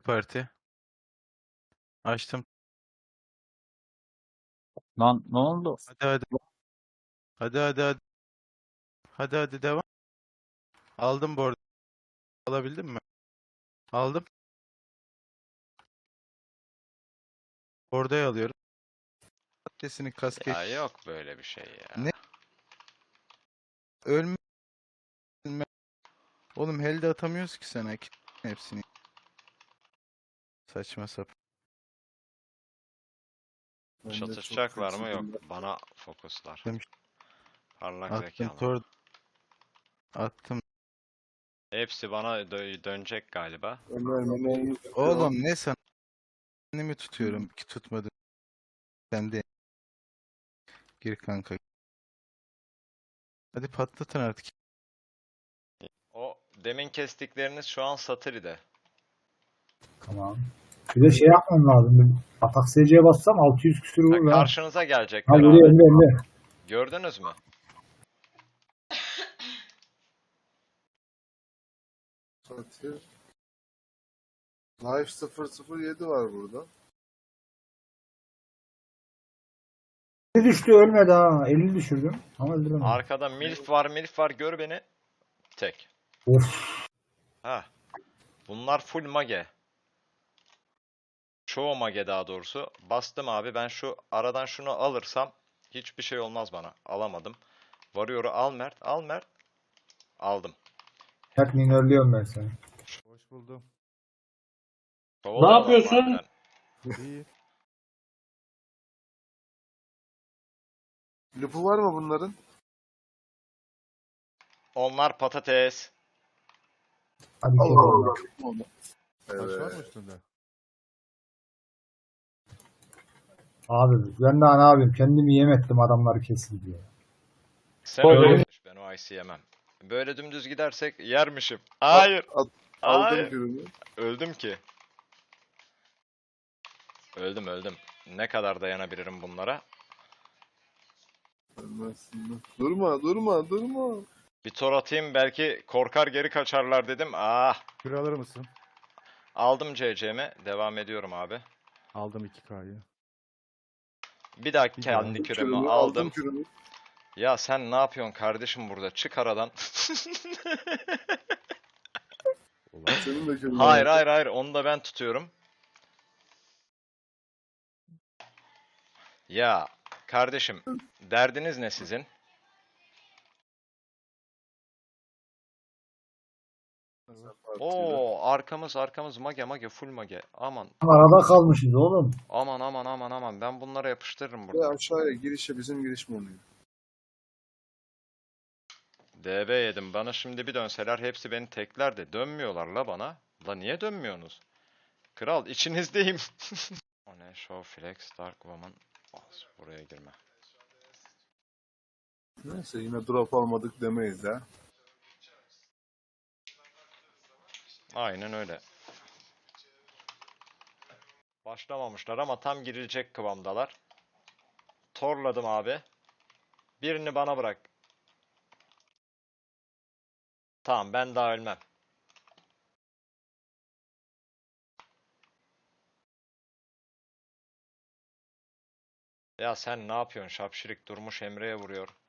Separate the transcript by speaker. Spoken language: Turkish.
Speaker 1: parti. Açtım.
Speaker 2: Lan ne oldu?
Speaker 1: Hadi hadi. Hadi hadi hadi. Hadi hadi devam. Aldım bu arada. Alabildin mi? Aldım. Bordayı alıyorum. Patatesini kasket.
Speaker 3: Ya yok böyle bir şey ya.
Speaker 1: Ne? Ölme. Oğlum helde atamıyoruz ki sana hepsini. Saçma sapan.
Speaker 3: Çatışacaklar mı? Yok. Bana fokuslar.
Speaker 1: Demiş.
Speaker 3: Parlak
Speaker 1: Attım
Speaker 3: zekalı.
Speaker 1: tor. Attım.
Speaker 3: Hepsi bana dönecek galiba.
Speaker 1: Oğlum ne sana? Kendimi tutuyorum ki tutmadım. Sen de gir kanka. Hadi patlatın artık.
Speaker 3: O demin kestikleriniz şu an Satiri'de.
Speaker 4: Tamam. Bir de şey yapmam lazım. Bir atak SC'ye bassam 600 küsür
Speaker 3: Ha,
Speaker 4: vurur ha.
Speaker 3: karşınıza
Speaker 4: Ha
Speaker 3: gelecekler
Speaker 4: vuruyor
Speaker 3: abi.
Speaker 4: Emre.
Speaker 3: Gördünüz mü?
Speaker 5: Satir. Life 007 var burada.
Speaker 4: 50 düştü ölmedi ha. 50 düşürdüm. Ama öldüremedim.
Speaker 3: Arkada milf var gör beni. Tek.
Speaker 4: Of.
Speaker 3: Ha. Bunlar full mage. Çoğu mage daha doğrusu. Bastım abi, ben şu aradan şunu alırsam hiçbir şey olmaz bana. Alamadım. Varıyor'u al Mert. Al Mert. Aldım.
Speaker 4: Hep minörlüyorum ben seni.
Speaker 1: Hoş buldum.
Speaker 3: Kovalayalım
Speaker 6: yapıyorsun?
Speaker 3: madem.
Speaker 1: İyi.
Speaker 5: Lupu var mı bunların?
Speaker 3: Onlar patates.
Speaker 4: Hadi
Speaker 5: Allah
Speaker 4: Allah.
Speaker 5: Allah.
Speaker 6: Taş var mı
Speaker 5: Evet.
Speaker 6: üstünde?
Speaker 4: Abi ben daha ne yapayım? Kendimi yem ettim adamları kesin diye.
Speaker 3: Sen
Speaker 6: Öyle
Speaker 3: öyle
Speaker 6: mi?
Speaker 3: konuş, ben o ice'i yemem. Böyle dümdüz gidersek yermişim. Hayır.
Speaker 5: Aldım
Speaker 3: Hayır.
Speaker 5: gününü.
Speaker 3: Öldüm ki. Öldüm. Ne kadar dayanabilirim bunlara?
Speaker 5: Ölmezsin. Durma.
Speaker 3: Bir tor atayım, belki korkar geri kaçarlar dedim. Ah.
Speaker 6: Kür alır mısın?
Speaker 3: Aldım CC'mi. Devam ediyorum abi.
Speaker 6: Aldım 2K'yı.
Speaker 3: Bir daha
Speaker 6: Bir
Speaker 3: kendi
Speaker 6: daha.
Speaker 3: kürümü aldım.
Speaker 5: Kürünü.
Speaker 3: Ya sen ne yapıyorsun kardeşim burada? Çık aradan.
Speaker 5: Senin de kürünü.
Speaker 3: Hayır. Onu da ben tutuyorum. Ya kardeşim, derdiniz ne sizin? Oo, arkamız mage full mage. Aman
Speaker 4: Arada kalmışız oğlum.
Speaker 3: aman, ben bunlara yapıştırırım
Speaker 5: Ve
Speaker 3: burada.
Speaker 5: aşağıya girişe bizim giriş mi oluyor?
Speaker 3: DB yedim. Bana şimdi bir dönseler hepsi beni tekler de dönmüyorlar la bana. La niye dönmüyorsunuz? Kral içinizdeyim. O ne? Show Flex Dark Woman. Buraya girme.
Speaker 5: Neyse yine drop almadık demeyiz ha.
Speaker 3: Aynen öyle. Başlamamışlar ama tam girilecek kıvamdalar. Torladım abi. Birini bana bırak. Tamam, ben daha ölmem. Ya sen ne yapıyorsun? Şapşirik durmuş Emre'ye vuruyor.